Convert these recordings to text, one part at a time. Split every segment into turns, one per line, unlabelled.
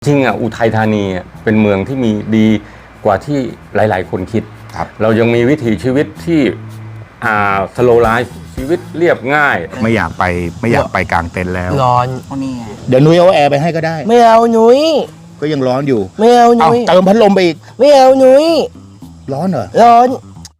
จริงอุทัยธานีเป็นเมืองที่มีดีกว่าที่หลายๆคนคิดเรายังมีวิถีชีวิตที่สโลว์ไลฟ์ชีวิตเรียบง่าย
ไม่อยากไปกลางเต็นท์แล้ว
ร้อน
เดี๋ยวนุ้ยเอาแอร์ไปให้ก็ได้
ไม่เอาหนุ่ย
ก็ยังร้อนอยู่
ไม่เอาหนุ่ย
เติมพัดลมไปอีก
ไม่เอาหนุ่ย
ร้อนเหรอ
ร้อน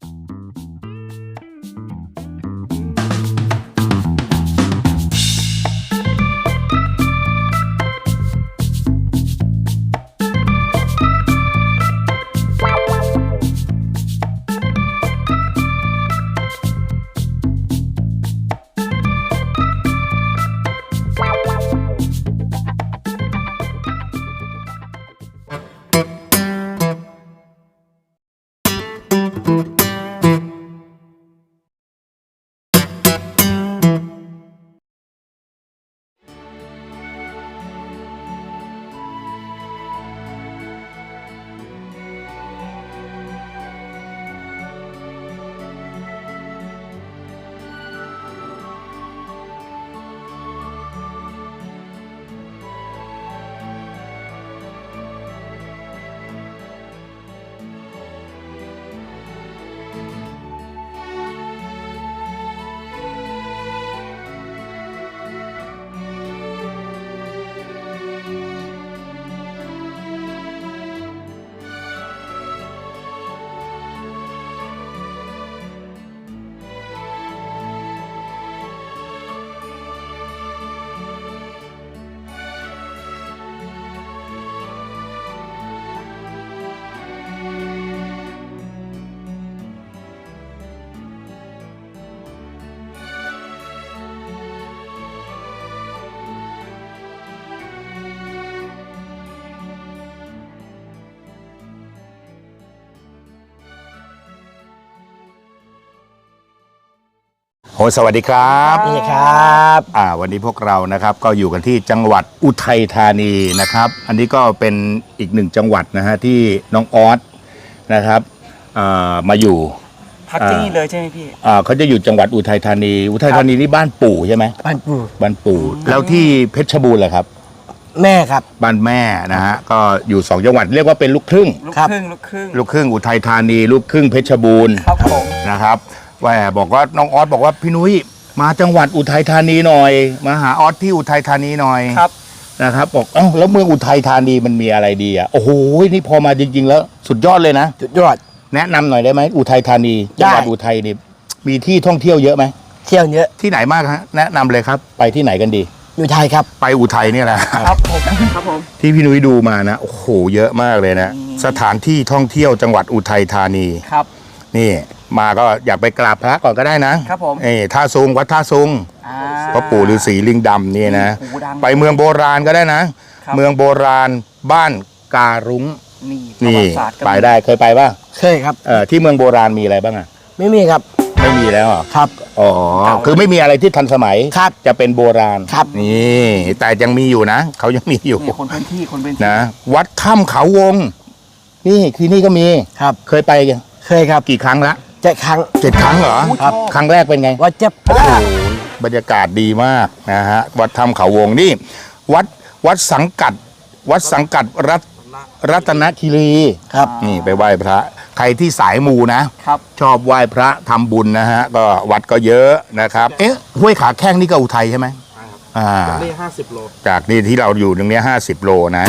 สวัสดีครับ
นี่ครับ
วันนี้พวกเรานะครับก็อยู่กันที่จังหวัดอุทัยธานีนะครับอันนี้ก็เป็นอีกหนึ่งจังหวัดนะฮะที่น้องออสนะครับมาอยู่
พักที่นี่เลยใช่ไหมพี่
เขาจะอยู่จังหวัดอุทัยธานีนี่บ้านปู่ใช่ไหม
บ้าน
ปู่แล้วที่เพชรบูรณ์เหรอครับ
แม่ครับ
บ้านแม่นะฮะก็อยู่2จังหวัดเรียกว่าเป็นลูกครึ่ง
ลูกครึ่ง
อุทัยธานีลูกครึ่งเพชรบูรณ์
ครับผม
นะครับว่าบอกว่าน้องออสบอกว่าพี่นุ้ยมาจังหวัดอุทัยธานีหน่อยมาหาออสที่อุทัยธานีหน่อย
ครับ
นะครับบอกแล้วเมืองอุทัยธานีมันมีอะไรดีโอ้โหนี่พอมาจริงๆแล้วสุดยอดเลยนะ
สุดยอด
แนะนำหน่อยได้ไหมอุทัยธานีจังหวัดอุทัยนี่มีที่ท่องเที่ยวเยอะไหม
เที่ยวเยอะ
ที่ไหนมากฮะแนะนำเลยครับไปที่ไหนกันดี
อุทัยครับ
ไปอุทัยนี่แหละ
ครับผม
ที่พี่นุ้ยดูมานะโอ้โหเยอะมากเลยนะสถานที่ท่องเที่ยวจังหวัดอุทัยธานี
ครับ
นี่มาก็อยากไปกราบพระก่อนก็ได้นะครับ
ผม
ท่าซุงวัดท่าซุงพระปู่ฤาษีลิงดำนี่นะไปเมืองโบราณก็ได้นะเมืองโบราณบ้านการุ้งนี่ไปได้เคยไปป่ะ
เคยครับ
ที่เมืองโบราณมีอะไรบ้าง
ไม่มีครับ
ไม่มีแล้ว
ครับ
คือไม่มีอะไรที่ทันสมัย
ครับ
จะเป็นโบราณ
ครับ
นี่แต่ยังมีอยู่นะเขายังมีอยู่
คนพื้นที่
นะวัดถ้ำเขาวงนี่ที่นี่ก็มี
ครับ
เคยไปกัน
เคยครับ
กี่ครั้งละ
7 ครั้ง
เหรอ
ครับ
ครั้งแรกเป็นไง
วัดเจ็บโอ้โห
บรรยากาศดีมากนะฮะวัดถ้ำเขาวงนี่วัดสังกัดรัตนคีรี
ครับ
นี่ไปไหว้พระใครที่สายมูนะครับชอบไหว้พระทำบุญนะฮะก็วัดก็เยอะนะครับห้วยขาแข้งนี่ก็อุทัยใช่ไหม
จากนี่50 โล
จากนี่ที่เราอยู่ตรงนี้50 โลนะ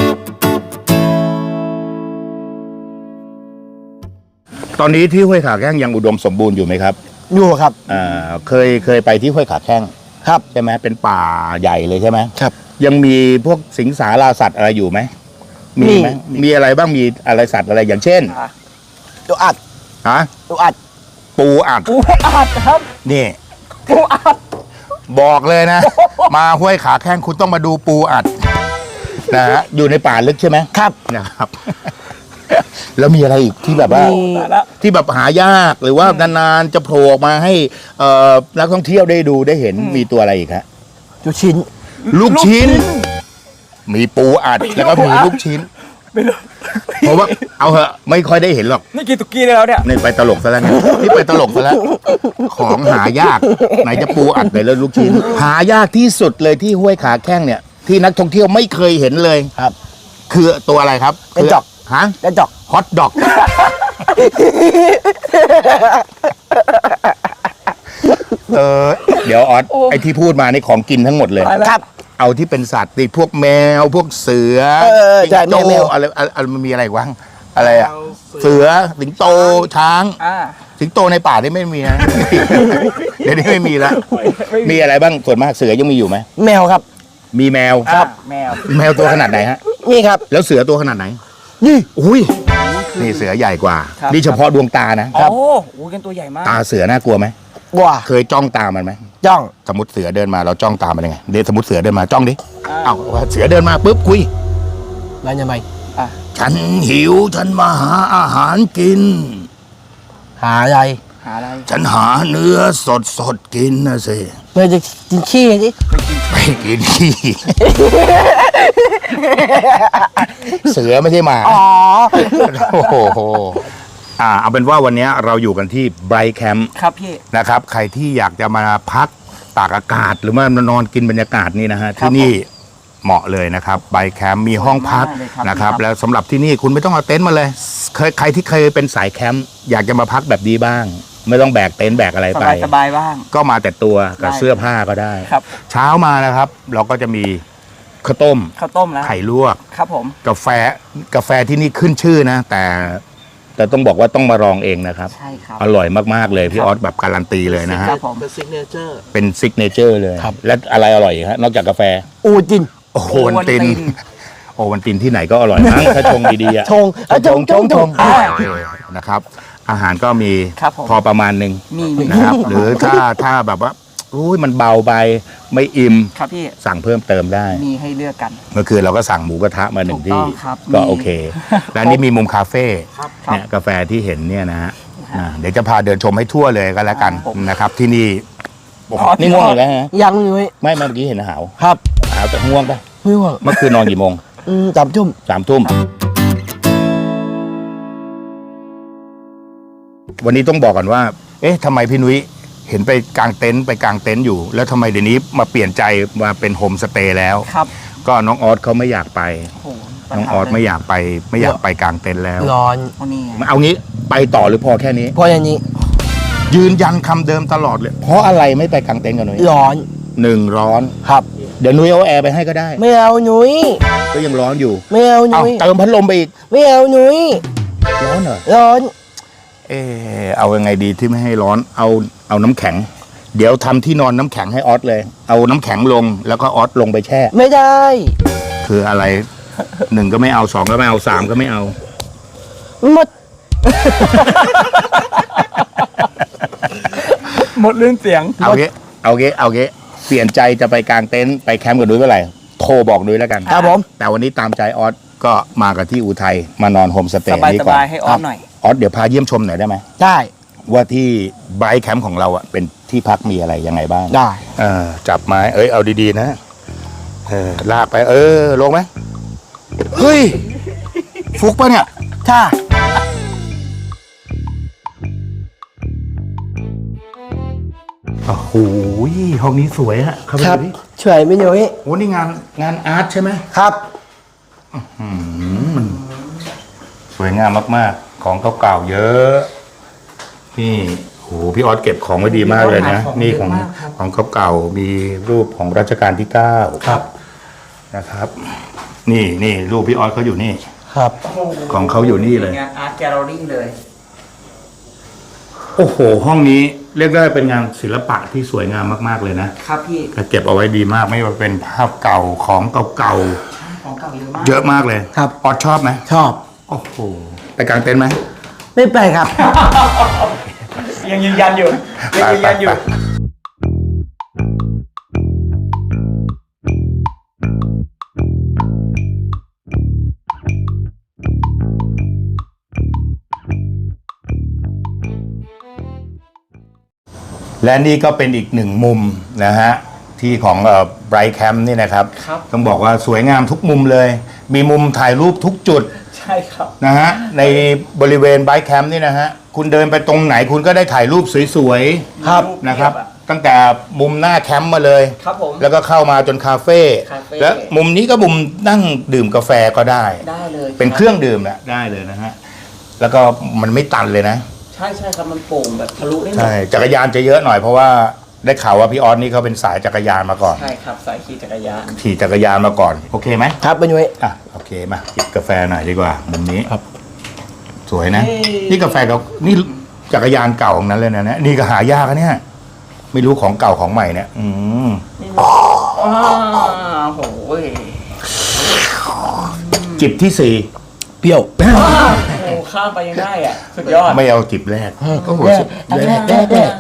ตอนนี้ที่ห้วยขาแข้งยังอุดมสมบูรณ์อยู่ไหมครับ
อยู่ครับ
เคยไปที่ห้วยขาแข้ง
ครับ
ใช่ไหมเป็นป่าใหญ่เลยใช่ไหม
ครับ
ยังมีพวกสิงสาราสัตว์อะไรอยู่ไหมมีไหมมีอะไรบ้างมีอะไรสัตว์อะไรอย่างเช่น
ตัวอัดตัวอัด
ปูอัด
ครับ
นี่
ปูอัด
บอกเลยนะมาห้วยขาแข้งคุณต้องมาดูปูอัดนะฮะอยู่ในป่าลึกใช่ไหม
ครับ
นะครับแล้วมีอะไรอีกที่แบบว่าที่แบบหายากหรือว่านานๆจะโผล่ออกมาให้นักท่องเที่ยวได้ดูได้เห็นมีตัวอะไรอีกฮะ
ลูกชิ้น
มีปูอัดแล้วก็มีลูกชิ้นเพราะว่าเอาเหอะไม่ค่อยได้เห็นหรอก
นี่กินตุกี้ได้แล้วเนี่ย
นี่ไปตลกซะแล้วนี่ไปตลกซะแล้วของหายากไหนจะปูอัดไหนแล้วลูกชิ้นหายากที่สุดเลยที่ห้วยขาแข้งเนี่ยที่นักท่องเที่ยวไม่เคยเห็นเลย
ครับ
คือตัวอะไรครับ
กระจอก
ฮะ
กระจอก
ฮอตดอกเดี๋ยวออสไอที่พูดมานี่ของกินทั้งหมดเลย
ครับ
เอาที่เป็นสัตว์ติพวกแมวพวกเสือ
ใช่
สิงโต
แมว
อะไรมันมีอะไรอีกวะอะไรอะเสือสิงโตช้าง สิงโตในป่านี่ไม่มีนะ เดี๋ยวนี้ไม่มีแล้วมีอะไรบ้างส่วนมากเสือยังมีอยู่ไหม
แมวครับ
มีแมว
ครับ
แมวตัวขนาดไหนฮะ
นี่ครับ
แล้วเสือตัวขนาดไหน
นี่
อุ้ยนี่เสือใหญ่กว่า
ครับ
นี่เฉพาะดวงตานะ
ครับ
โอ้โหกันตัวใหญ่มาก
ตาเสือน่ากลัวไหม
ว้า
เคยจ้องตามันไหม
จ้อง
สมมติเสือเดินมาเราจ้องตามันยังไงเดี๋ยวสมมติเสือเดินมาจ้องดิ
อ่า
เอ้าเสือเดินมาปุ๊บคุย
แล้วยังไง
ฉันหิวฉันมาหาอาหารกิน
หาอะไร
หาอะไร
ฉันหาเนื้อสดกินนะสิ
เมื่อจะกินขี้สิ
ไปกินขี้ เสือไม่ใช่หมา
อ๋อ
โอ้โหเอาเป็นว่าวันนี้เราอยู่กันที่ไบรท์แคมป์
ครับพี่
นะครับ ใครที่อยากจะมาพักตากอากาศหรือว่านอนกินบรรยากาศนี่นะฮะ
ครับ
ที่นี่เหมาะเลยนะครับไบรท์แคมป์มีห้องพัก
สวยมากเลยครับ
นะครับ
พี่ครับ
แล้วสำหรับที่นี่คุณไม่ต้องเอาเต็นท์มาเลยใครที่เคยเป็นสายแคมป์อยากจะมาพักแบบนี้บ้าง ไม่ต้องแบกเต็นท์แบกอะไร
ส
ไป
บายสบายบ้าง
ก็มาแต่ตัวกับ
ได้
เสื้อผ้าก็ได้
ครับ
เช้ามานะครับ เราก็จะมีข้าวต้ม
ข้าวต้มแล้ว
ไข่ลวก
ครับผม
กาแฟที่นี่ขึ้นชื่อนะ แต่ต้องบอกว่าต้องมาลองเองนะครับ
ใช่ครับ
อร่อยมากๆเลยพี่ออสแบบการันตีเลยนะฮะ
ครับผม
เป็นซิกเนเจอร์เลย
ครับ
และอะไรอร่อยอีกฮะนอกจากกาแฟ
อูจิน
โอ้โหวันตินโอ้วันตินที่ไหนก็อร่อยมั้งถ้าชงดีๆอะ
ชงชง
นะครับ อาหารก็มี
ครับผม
พอประมาณหนึ่ง
มี
นะครับ หรือถ้าแบบว่าอุ้ยมันเบาไปไม่อิ่ม
ครับพี่
สั่งเพิ่มเติมได้
มีให้เลือกกัน
เมื่อคืนเราก็สั่งหมูกระทะมาหนึ่ง
ถูกต้
ที่
องครับ
ก็
มี
โอเค และนี่มีมุมคาเฟ่
ครับ
เนี่ยกาแฟที่เห็นเนี่ยนะฮะเดี๋ยวจะพาเดินชมให้ทั่วเลยก็แล้วกันนะครับ ที่นี่โอ้โหนี่ง่วงอีกแล้วฮะ
ยังอยู่
ไม่เมื่อกี้เห็นหาว
ครับ
หาวแต่ง่วงปะ
ไม่ว่าง
เมื่อคืนนอนกี่โมง
จับจุ่ม
3 ทุ่มวันนี้ต้องบอกกันว่า เอ๊ะทำไมพี่นุ้ยเห็นไปกางเต็นท์อยู่ แล้วทำไมเดี๋ยวนี้มาเปลี่ยนใจมาเป็นโฮมสเตย์แล้ว
ครับ
ก็น้องออสเขาไม่อยากไป
โอ้โห
น้องออสไม่อยากไปกางเต็นท์แล้ว
ร้อน
โอ้นี่ไง
เอางี้ไปต่อหรือพอแค่นี้
เพราะอย่างนี้
ยืนยันคำเดิมตลอดเลย เพราะอะไรไม่ไปกางเต็นท์กับนุ้ย
ร้อน
หนึ่งร้อน
ครับ
เดี๋ยวนุ้ยเอาแอร์ไปให้ก็ได้
ไม่เอาหนุ่ย
ก็ยังร้อนอยู่
ไม่เอาห
เอา
นุ่ย
เติมพัดลมไปอีก
ไม่เอาหนุ่ย
ร้อนเหรอ
ร้อน
เอายังไงดีที่ไม่ให้ร้อนเอาน้ำแข็ง เดี๋ยวทำที่นอนน้ำแข็งให้ออสเลย เอาน้ำแข็งลงแล้วก็ออสลงไปแช่
ไม่ได้
คืออะไร 1ก็ไม่เอา2ก็ไม่เอา3ก็ไม่เอา
หมด
หมดเรื่องเสียง
เอาเงี้เปลี่ยนใจจะไปกางเต็นท์ไปแคมป์กับนุ้ยเมื่อไหร่โทรบอกนุ้ยแล้วกัน
ครับผม
แต่วันนี้ตามใจออสก็มากับที่อุทัยมานอนโฮมสเต
ส
ย์
บาย
นี้
ส
ก่อน
บายให้ออสหน่อย
ออสเดี๋ยวพาเยี่ยมชมหน่อยได้ไหม
ได้
ว่าที่ไบรท์แคมป์ของเราอ่ะเป็นที่พักมีอะไรยังไงบ้าง
ได้
จับไม้เอาดีๆนะลากไปลงไหมเฮ้ยฟุกปะเนี่ย
ถ้า
โอ้โหห้องนี้สวยฮะเข้าไป
ครับ
ดูดิ
ช่วยไม่หนุ่ย
โอ้นี่งานอาร์ตใช่ไหม
ครับ
สวยงามมากๆ ของเก่าๆเยอะนี่โหพี่ออสเก็บของไว้ดีมากเลยนะ นี่ของเก่าๆมีรูปของรัชกาลที่9ครับนะครับ นี่รูปพี่ออสเขาอยู่นี่
ครับ
ของเขาอยู่นี่เลย
งานอาร์ตแกลเลอรี่เลย
โอ้โห ห้องนี้เรียกได้เป็นงานศิลปะที่สวยงามมากๆเลยนะครับ
พี่
ก็เก็บเอาไว้ดีมากไม่ว่าเป็นภาพเก่าของเก่า
ของเก่าเยอะมาก
ๆเยอะมากเลย
ครับ
ออสชอบไหม
ชอบ
โอ้โหไปกางเต็นท์ไหม
ไม่ไปครับ
ยังยืนยันอยู่ยังยืนยันอยู่
และนี่ก็เป็นอีกหนึ่งมุมนะฮะที่ของไบรท์แคมป์นี่นะครับ
ครับ
ต้องบอกว่าสวยงามทุกมุมเลย มีมุมถ่ายรูปทุกจุด
ใช่ครับ
นะฮะในบริเวณไบรท์แคมป์นี่นะฮะคุณเดินไปตรงไหนคุณก็ได้ถ่ายรูปสวย
ครับ
ๆนะครับตั้งแต่มุมหน้าแคมป์มาเลย
ครับผม
แล้วก็เข้ามาจนคาเฟ่
คาเฟ่
แล้วมุมนี้ก็มุมนั่งดื่มกาแฟก็ได้
ได้เลย
เป็นเครื่องดื่มแหละได้เลยนะฮะแล้วก็มันไม่ตันเลยนะ
ใช่ครับมันโปร่งแบบทะลุได้หมด
ใช่จักรยานจะเยอะหน่อยเพราะว่าได้ข่าวว่าพี่ออสนี่เขาเป็นสายจักรยานมาก่อน
ใช่ครับสายขี่จักรยาน
ขี่จักรยานมาก่อนโอเคไหม
ครับเป็นยุ้ย
อ่ะโอเคมาจิบกาแฟหน่อยดีกว่ามุมนี้
ครับ
สวยนะ นี่กาแฟเรานี่จักรยานเก่าของนั้นเลยนะเนี่ยนี่ก็หายากนะเนี่ยไม่รู้ของเก่าของใหม่เนี่ย
โหย
จิบที่สี่
เปรี้ยว
โอ้ข้ามไปยังได้อ่ะสุดยอด
ไม่เอาจิบแรกโอ้โหสุดแรก
แร่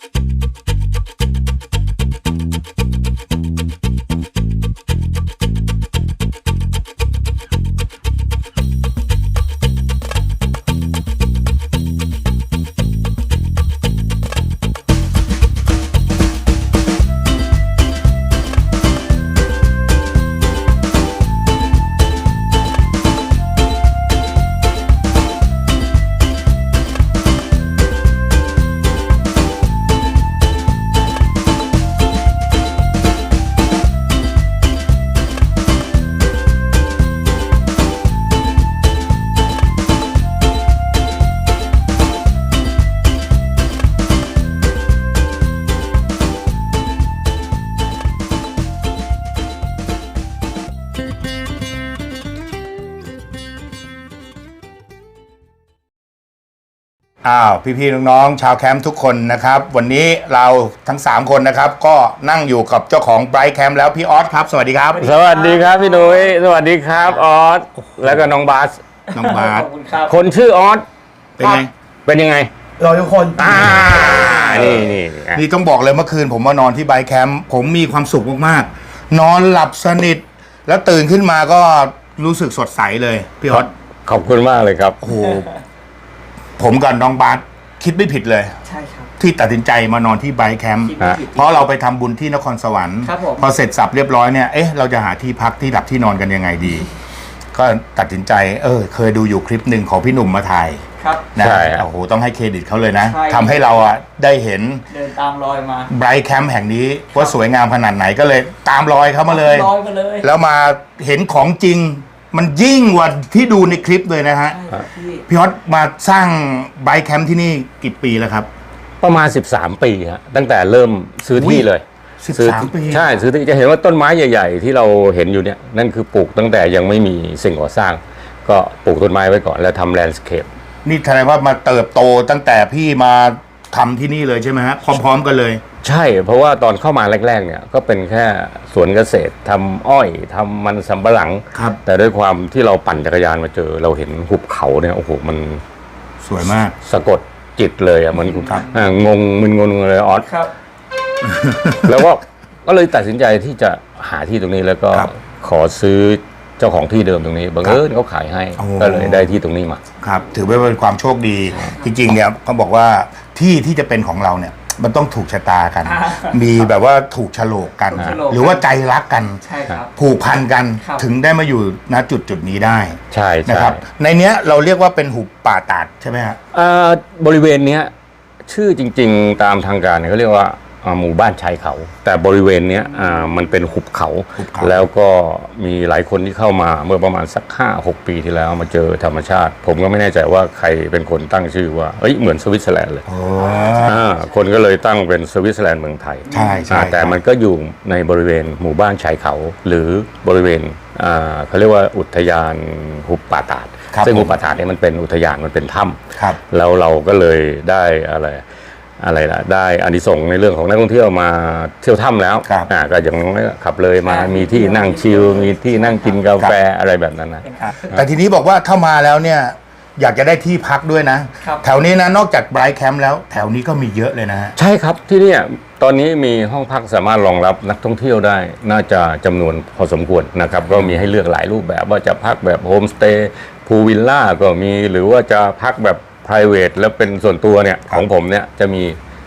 อ้าวพี่ๆน้องๆชาวแคมป์ทุกคนนะครับวันนี้เราทั้ง3คนนะครับก็นั่งอยู่กับเจ้าของไบรท์แคมป์แล้วพี่ออสครับสวัสดีครับ
สวัสดีครับพี่นุ้ยสวัสดีครับออสแล้วก็น้องบาส
น้องบาส
ขอบคุณครับ
คนชื่อออส
เป็นไง
เป็นยังไง
เราทุกคน
นี่
นี่ต้องบอกเลยเมื่อคืนผมมานอนที่ไบรท์แคมป์ผมมีความสุขมากๆนอนหลับสนิทแล้วตื่นขึ้นมาก็รู้สึกสดใสเลยพี่ออส
ขอบคุณมากเลยครับ
โอ้โหผมกับน้องบาสคิดไม่ผิดเลย
ใช่ครับ
ที่ตัดสินใจมานอนที่ไบรท์แคมป์
คิดไม่ผิด
เพราะเราไปทำบุญที่นครสวรรค์
ครับผม
พอเสร็จสับเรียบร้อยเนี่ยเอ๊ะเราจะหาที่พักที่หลับที่นอนกันยังไงดี ก็ตัดสินใจเคยดูอยู่คลิปหนึ่งของพี่หนุ่มมาถ่าย
ครับ
นะ
ใช่ครับ
โอ้โหต้องให้เครดิตเขาเลยนะ
ใช่
ทำให้เราอ่ะได้เห็น
เดินตามรอยมา
ไบรท์แคมป์แห่งนี้ว่าสวยงามขนาดไหนก็เลยตามรอยเขามาเลย
รอยมาเลย
แล้วมาเห็นของจริง มันยิ่งกว่าที่ดูในคลิปเลยนะฮะ
ใช่ครับพี่
พี่ฮอตมาสร้างไบรท์แคมป์ที่นี่กี่ปีแล้วครับ
ประมาณ13 ปีฮะตั้งแต่เริ่มซื้อที่เลย
13
ซื้อ
ปี
ใช่ซื้อที่จะเห็นว่าต้นไม้ใหญ่ ๆ ที่เราเห็นอยู่เนี่ยนั่นคือปลูกตั้งแต่ยังไม่มีสิ่งก่อสร้าง ก็ปลูกต้นไม้ไว้ก่อนแล้วทำแลนด์สเคป
นี่แสดงว่ามาเติบโตตั้งแต่พี่มาทำที่นี่เลยใช่ไหมฮะพร้อมๆกันเลย
ใช่เพราะว่าตอนเข้ามาแรกๆเนี่ยก็เป็นแค่สวนเกษตรทำอ้อยทำมันสำปะหลัง
ครับ
แต่ด้วยความที่เราปั่นจักรยานมาเจอ เราเห็นหุบเขาเนี่ยโอ้โหมัน
สวยมาก
สะกดจิตเลยอ่ะเหมือน
ครับ
งงมึนงงเลยออส
ครับ
แล้วก็เลยตัดสินใจที่จะหาที่ตรงนี้แล้วก็
ครับ
ขอซื้อเจ้าของที่เดิมตรงนี้บังเอิญเขาขายให้
โอ้
ก็เลยได้ที่ตรงนี้มา
ครับถือว่าเป็นความโชคดี จริงๆเนี่ยเขาบอกว่าที่จะเป็นของเราเนี่ยมันต้องถูกชะตากัน มีแบบว่าถูกโฉลกกัน
ถูกโฉลก
หรือว่าใจรักกัน
ใช่ครับ
ผูกพันกัน
ครับ
ถึงได้มาอยู่ณจุดนี้ได้
ใช่
นะ
ใช่
ครับ ในเนี้ยเราเรียกว่าเป็นหุบป่าตาดใช่ไหมฮะ
บริเวณเนี้ยชื่อจริงๆตามทางการเนี่ยเขาเรียกว่าหมู่บ้านชายเขา แต่บริเวณเนี้ยมันเป็นหุบเขา
หุบเขา
แล้วก็มีหลายคนที่เข้ามาเมื่อประมาณสัก 5-6 ปีที่แล้วมาเจอธรรมชาติ ผมก็ไม่แน่ใจว่าใครเป็นคนตั้งชื่อว่าเหมือนสวิตเซอร์แลนด์เลย
โอ้
คนก็เลยตั้งเป็นสวิตเซอร์แลนด์เมืองไทย
ใช่ใช่
แต่มันก็อยู่ในบริเวณหมู่บ้านชายเขา หรือบริเวณเขาเรียกว่าอุทยานหุบป่าตาด
ครับ
ซึ่งหุบป่าตาดเนี่ยมันเป็นอุทยานมันเป็นถ้ำ
ครับ
แล้วเราก็เลยได้อะไรล่ะได้อานิสงส์ในเรื่องของนักท่องเที่ยวมาเที่ยวถ้ำแล้ว
ครับ
ก็อย่างน้อยขับเลยมามีที่นั่งชิลมีที่นั่งกินกาแฟอะไรแบบนั้นนะ
แต่ทีนี้บอกว่าถ้ามาแล้วเนี่ยอยากจะได้ที่พักด้วยนะ
ครับ
แถวนี้นะนอกจากไบรท์แคมป์แล้วแถวนี้ก็มีเยอะเลยนะฮะ
ใช่ครับที่เนี่ยตอนนี้มีห้องพักสามารถรองรับนักท่องเที่ยวได้ น่าจะจำนวนพอสมควรนะครับก็มีให้เลือกหลายรูปแบบว่าจะพักแบบโฮมสเตย์พูลวิลล่าก็มีหรือว่าจะพักแบบ private แล้วเป็นส่วนตัวเนี่ยของผมเนี่ยจะมี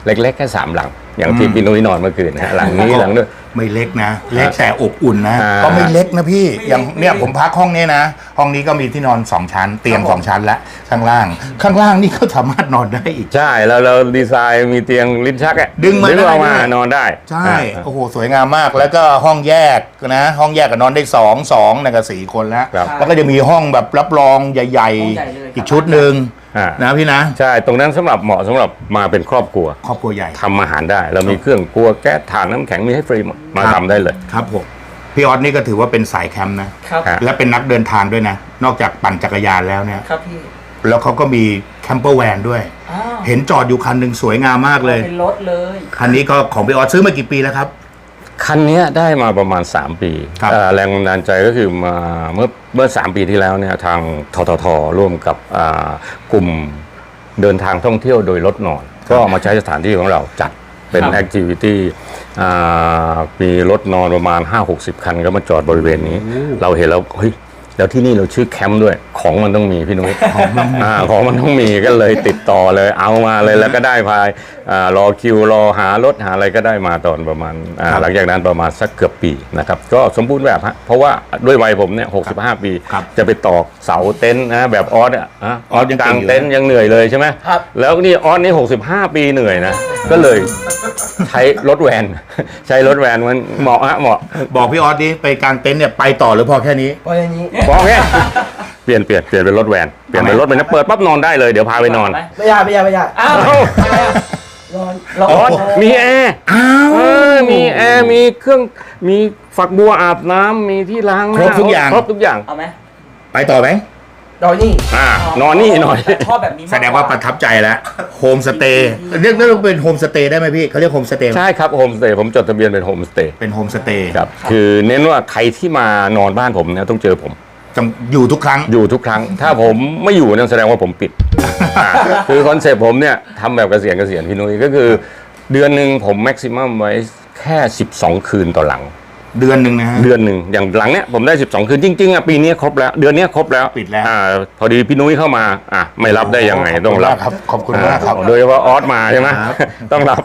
เล็กๆแค่3 หลัง อย่างที่พี่นุ้ยนอนเมื่อคืนนะฮะหลังนี้หลังด้วย
ไม่เล็กนะ เล็กแต่อบอุ่นนะ
อ่า
ก็ไม่เล็กนะพี่อย่างเนี่ยผมพักห้องนี้นะ ห้องนี้ก็มีที่นอน2 ชั้น เตียง2 ชั้นและข้างล่างนี่ก็สามารถนอนได้อีก
ใช่แล้วเราดีไซน์มีเตียงลิ้นชักอะ
ดึงมาได้
ออกมา
ด้วย
นอนได้
ใช่
อ่า
โอ้โหสวยงามมากแล้วก็ห้องแยกนะห้องแยกก็นอนได้2นะก็4 คนแล้ว
ครับ
แล้วก็จะมีห้องแบบรับรองใหญ่
ห้องใหญ่เลย
ๆ อีกชุดหนึ่ง
อ่า
นะพี่นะ
ใช่ตรงนั้นเหมาะสำหรับมาเป็นครอบครัว
ครอบครัวใหญ่
ทำอาหารได้ เรามีเครื่องครัวแก๊สถ่านน้ำแข็งมีให้ฟรีหมดมา
ครับ
ทำได้เลย
ครับผมพี่ออสนี่ก็ถือว่าเป็นสายแคมป์นะครับ
ครับ
และเป็นนักเดินทางด้วยนะ นอกจากปั่นจักรยานแล้วเนี่ย
ครับพี่
แล้วเขาก็มีแคมเปอร์แวนด้วย
อ้าว
เห็นจอดอยู่คันหนึ่งสวยงามมากเลย
เป็นรถเลย
คันนี้ก็ของพี่ออสซื้อมากี่ปีแล้วครับ
คันเนี้ยได้มาประมาณ 3 ปี
ครับ
แรงบันดาลใจก็คือมาเมื่อ 3 ปีที่แล้วเนี่ยทางทททร่วมกับกลุ่มเดินทางท่องเที่ยวโดยรถนอน ก็เอามาใช้สถานที่ของเราจัดเป็น
ครับ
แอคทิวิตี้มีรถนอนประมาณ 5-60 คันก็มาจอดบริเวณนี้ เราเห็นแล้วเฮ้ยแล้วที่นี่เราชื่อแคมป์ด้วยของมันต้องมีพี่นุ้ยของมันต้องมีก็เลยติดต่อเลยเอามาเลยแล้วก็ได้พายรอคิวรอหารถหาอะไรก็ได้มาตอนประมาณหลังจากนั้นประมาณสักเกือบปีนะครับก็สมบูรณ์แบบฮะเพราะว่าด้วยวัยผมเนี่ย65 ปี
ครับ
จะไปตอกเสาเต็นท์นะแบบออสอ่ะออส
ยัง
ก
เก่
ลาง ง
อยู่
เต็นท์ยังเหนื่อยเลยใช่ไหม
ครับ
แล้วนี่ออสนี่65 ปีเหนื่อยนะก็เลยใช้รถแวน ใช้รถแวนมันเหมาะฮะเหมาะ
บอกพี่ออสดิไปกางเต็นท์เนี่ยไปต่อหรือพอแค่นี้
เพราะอย่างนี้
พอแค่เปลี่ยนเป็นรถแวนเปลี่ยนเป็นรถเป็นนะเปิดปั๊บนอนได้เลยเดี๋ยวพาไปนอน
ไม่ยากไม่ยากไม่ยาก
อ้าว
นอน
เรา
ออสมีแอร์มีแอร์มีเครื่องมีฝักบัวอาบน้ำมีที่ล้างหน้า
ครบทุกอย่าง
ครบทุกอย่าง
เอาไหม
ไปต่อไหม
นอนนี่
นอนนี่หน่อย
ชอบแบบนี้มก
แสดงว่าประทับใจแล้วโฮมสเตย์เรียกเป็นโฮมสเตย์ได้ไหมพี่เขาเรียกโฮมสเตย์
ใช่ครับโฮมสเตย์ผมจดทะเบียนเป็นโฮมสเตย์
เป็นโฮมสเตย์
ครับคือเน้นว่าใครที่มานอนบ้านผมเนี่ยต้องเจอผม
อยู่ทุกครั้ง
อยู่ทุกครั้ง ถ้าผมไม่อยู่เนี่ยแสดงว่าผมปิด คือคอนเซ็ปต์ผมเนี่ยทำแบบเกษียณพี่นุ้ยก็คือเดือนหนึ่งผมแม็กซิมัมไว้แค่12 คืนต่อหลัง
เดือนหนึ่งนะฮะ
เดือนหนึ่งอย่างหลังเนี้ยผมได้12 คืนจริงๆอ่ะปีนี้ครบแล้วเดือนนี้ครบแล้ว
ปิดแล้ว
พอดีพี่นุ้ยเข้ามาไม่รับได้ยังไงต้องรับ
ขอบคุณมากครับ
โดยเฉพาะออสมาใช่ไหม
ครับ
ต้องรับ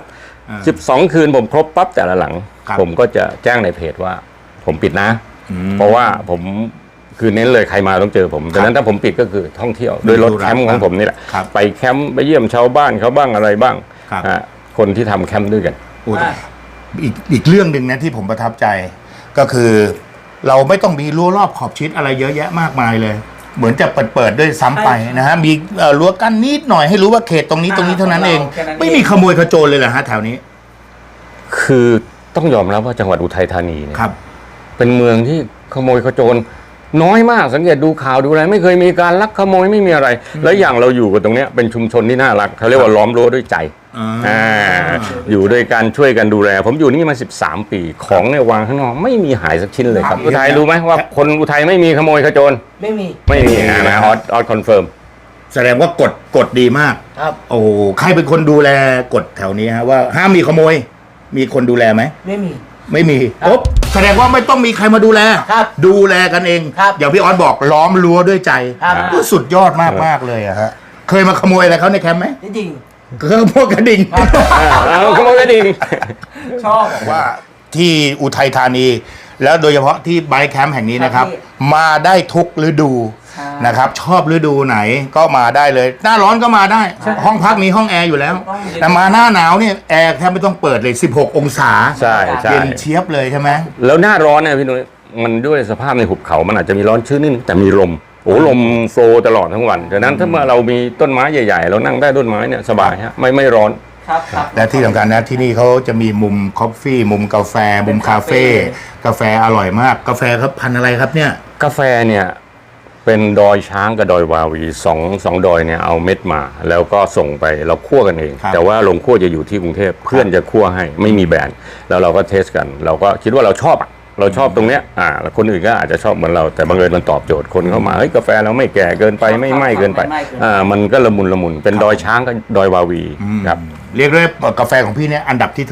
12 คืนผมครบปั๊บแต่ละหลัง
ครับ
ผมก็จะแจ้งในเพจว่าผมปิดนะ เพราะว่าผมคือเน้นเลยใครมาต้องเจอผมดังนั้นถ้าผมปิดก็คือท่องเที่ยวโดยรถแคมป์ของผมนี่แหละ
ครับ
ไปแคมป์ไปเยี่ยมชาวบ้านเขาบ้างอะไรบ้าง
ครับ
คนที่ทำแคมป์ด้วยกัน
โอ้แต่อีกเรื่องหนึ่งนะที่ผมประทับใจ ก็คือ เราไม่ต้องมีรั้วรอบขอบชิดอะไรเยอะแยะมากมายเลย เหมือนจะเปิดด้วยซ้ำไปนะฮะมีรั้วกั้นนิดหน่อยให้รู้ว่าเขตตรงนี้เท่านั้นเอง ไม่มีขโมยขโจรเลยเหรอฮะแถวนี้
คือต้องยอมรับว่าจังหวัดอุทัยธานีเนี่ย
ครับ
เป็นเมืองที่ขโมยขโจรน้อยมากสังเกตดูข่าวดูอะไรไม่เคยมีการลักขโมยไม่มีอะไร แล้วอย่างเราอยู่กันตรงเนี้ยเป็นชุมชนที่น่ารักเขาเรียกว่าล้อมรั้วด้วยใจ
อ่า
อยู่ด้วยกันช่วยกันดูแล ผมอยู่นี่มา13 ปีของเนี่ยวางข้างนอกไม่มีหายสักชิ้นเลยครับ
ครับ
อุทัยรู้ไหมว่าคนอุทัยไม่มีขโมยขโจร
ไม่มี
ไม่มีนะออสคอนเฟิร์ม
แสดงว่ากฎดีมาก
ครับ
โอ้ใครเป็นคนดูแลกฎแถวนี้ฮะว่าห้ามมีขโมย มีคนดูแลไหม
ไม่มี
ไม่มี
ครับ
ปุ๊บแสดงว่าไม่ต้องมีใครมาดูแล
ครับ
ดูแลกันเอง
ครับ
อย่างพี่ออสบอกล้อมรั้วด้วยใจ
ครับ
ก็สุดยอดมากเลยอะฮะเคยมาขโมยอะไรเขาในแคมป์ไหม
จริง
เคยพวกกระดิ่ง
ขโมยกระดิ่ง
ชอบ
ว่าที่อุทัยธานี แล้วโดยเฉพาะที่ไบค์แคมป์แห่งนี้นะครับ
ครับ
มาได้ทุกฤดู
ใช่
นะครับ ชอบฤดูไหนก็มาได้เลย หน้าร้อนก็มาได้ ห้องพักมีห้องแอร์อยู่แล้ว แต่มาหน้าหนาวเนี่ยแอร์แทบไม่ต้องเปิดเลย 16 องศา
ใช่ใช่
เย็นเชียบเลยใช่ไหม
แล้วหน้าร้อนเนี่ยพี่นุ้ยมันด้วยสภาพในหุบเขามันอาจจะมีร้อนชื้นนิดนึงแต่มีลมโอ้ลมโฟลว์ตลอดทั้งวันดังนั้นถ้าเมื่อเรามีต้นไม้ใหญ่ๆ เรานั่งได้ต้นไม้เนี่ยสบายฮะไม่ร้อน
ครับครับ
และที่สำคัญนะที่นี่เขาจะมีมุมคอฟฟี่ มุมกาแฟ มุมคาเฟ่กาแฟอร่อยมาก กาแฟครับพันธุ์อะไรครับเนี่ย
กาแฟเนี่ยเป็นดอยช้างกับดอยวาวีสองดอยเนี่ยเอาเม็ดมา แล้วก็ส่งไปเราคั่วกันเอง
ครับ
แต่ว่าโรงคั่วจะอยู่ที่กรุงเทพเพื่อนจะคั่วให้ไม่มีแบรนด์แล้วเราก็เทสกัน เราก็คิดว่าเราชอบอะเราชอบตรงเนี้ยแล้วคนอื่นก็อาจจะชอบเหมือนเราแต่บังเอิญมันตอบโจทย์คนเข้ามาเฮ้ยกาแฟเราไม่แก่เกินไปไม่ไหม้เกินไปมันก็ละมุนเป็นดอยช้างกับดอยวาวีครับ
เรียกได้ว่ากาแฟของพี่เนี่ยอันดับที่เท่าไหร่ฮะ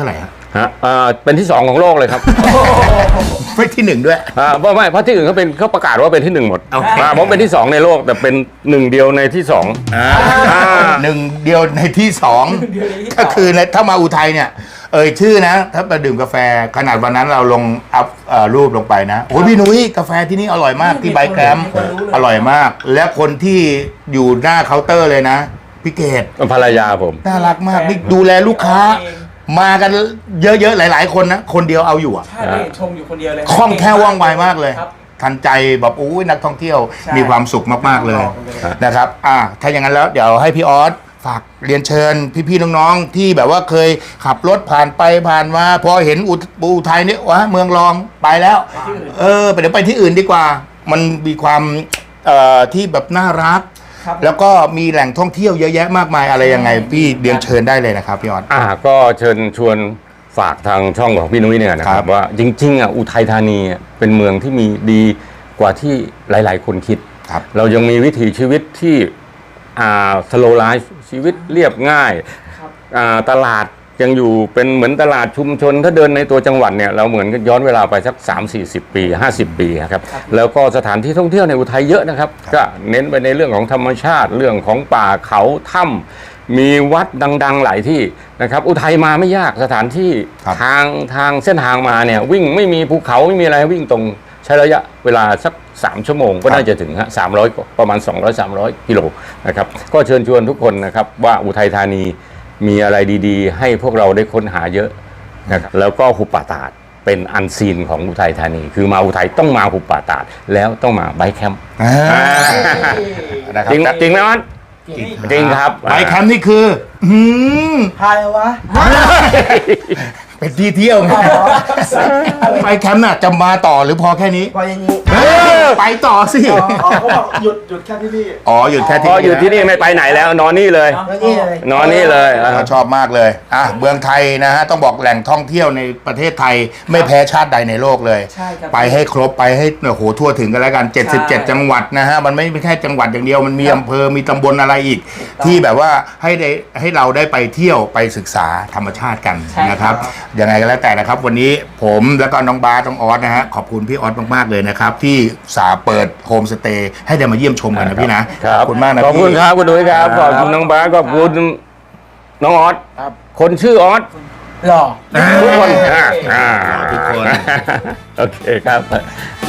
ฮะเป็นที่ 2ของโลกเลยครับ
ไม่ที่หนึ่งด้วย
ไม่เพราะที่อื่นเขาประกาศว่าเป็นที่ 1หมด
โอเค
ผมเป็นที่ 2ในโลกแต่เป็น1เดียวในที่ 2
หนึ่งเดียวในที่สองก็คือถ้ามาอุทัยเนี่ย ชื่อนะ ถ้าไปดื่มกาแฟขนาดวันนั้นเราลงอัพรูปลงไปนะโอ้ยพี่นุ้ยกาแฟที่นี่อร่อยมากที่ไบค์แคมป์อร่อยมาก และคนที่อยู่หน้าเคาน์เตอร์เลยนะพี่เกด
ภรรยาผม
น่ารักมากนี่ดูแลลูกค้า มากันเยอะๆหลายๆคนนะคนเดียวเอาอยู่อะ
ใช่ไม่เห็นชมอยู่คนเดียวเลย
คล่องแคล่วว่องไวมากเลย
ครับ
ทันใจแบบโอ้ยนักท่องเที่ยว
ใช่
มีความสุขมากๆเลยนะครับถ้าอย่างนั้นแล้วเดี๋ยวให้พี่ออสฝากเรียนเชิญพี่ๆน้องๆที่แบบว่าเคยขับรถผ่านไปผ่านมาพอเห็นอุทัยนี่วะเมืองรองไปแล้วเดี๋ยวไปที่อื่นดีกว่า มันมีความที่แบบน่ารัก
ครับ
แล้วก็มีแหล่งท่องเที่ยวเยอะแยะมากมายอะไรยังไงพี่เรียนเชิญได้เลยนะครับพี่ออส
ก็เชิญชวนฝากทางช่องของพี่นุ้ยเนี่ยนะค
ครั
รับบ ว่าจริงๆอุทัยธานีเป็นเมืองที่มีดีกว่าที่หลายๆคนคิด
ครับ
เรายังมีวิถีชีวิตที่สโลไลฟ์ชีวิตเรียบง่ายตลาดยังอยู่เป็นเหมือนตลาดชุมชนถ้าเดินในตัวจังหวัดเนี่ยเราเหมือนกับย้อนเวลาไปสัก3-40 ปี 50 ปีครับแล้วก็สถานที่ท่องเที่ยวในอุทัยเยอะนะครับก็เน้นไปในเรื่องของธรรมชาติเรื่องของป่าเขาถ้ำมีวัดดังๆหลายที่นะครับอุทัยมาไม่ยากสถานที่
ครับ
ทางเส้นทางมาเนี่ยวิ่งไม่มีภูเขาไม่มีอะไรวิ่งตรงใช้ระยะเวลาสัก3 ชั่วโมงก็น่าจะถึง300ประมาณ200-300 กิโลนะครับก็เชิญชวนทุกคนนะครับว่าอุทัยธานีมีอะไรดีๆ ให้พวกเราได้ค้นหาเยอะนะครับแล้วก็หุบป่าตาดเป็นอันซีนของอุทัยธานี คือมาอุทัยต้องมาหุบป่าตาดแล้วต้องมาไบค์แคมป์
นะครับ
จริงไหมออน จริงครับ
ไบค์แคมป์นี่คือ
พายเอาวะ
เป็นที่เที่ยวไงไบค์แคมป์น่ะจะมาต่อหรือพอแค่นี้
พออย่างนี้
ไปต่อสิ
เขาบอกหยุดแค่ที่นี่
อ๋อหยุดแค่
พ
ที่
ออยู่ที่นี่ไม่ไปไหนแล้วนอนนี่เลย
แล้วนี่เลย
นอนนี่เลย
เราชอบมากเลยเมืองไทยนะฮะต้องบอกแหล่งท่องเที่ยวในประเทศไทยไม่แพ้ชาติใดในโลกเลย
ใช่ครับ
ไปให้ครบไปให้โอ้โหทั่วถึงกันแล้วกัน
ใช่
77 จังหวัดนะฮะมันไม่ใช่จังหวัดอย่างเดียวมันมีอำเภอมีตำบลอะไรอีก ที่แบบว่าให้เราได้ไปเที่ยวไปศึกษาธรรมชาติกัน
ใช่
นะครับยังไงก็แล้วแต่นะครับ วันนี้ผมแล้วก็น้องบาสน้องออสนะฮะขอบคุณพี่ออสมากๆเลยนะครับที่สาเปิดโฮมสเตย์ให้ได้มาเยี่ยมชมกันนะพี่นะขอบคุณมากนะ
ขอบคุณ
พี่
ครับคุณดุ้ยครับขอบคุณน้องบาสขอบคุณน้องออสคนชื่อออส
หล่อ
ทุกคน
ทุกคน
โอเคครับ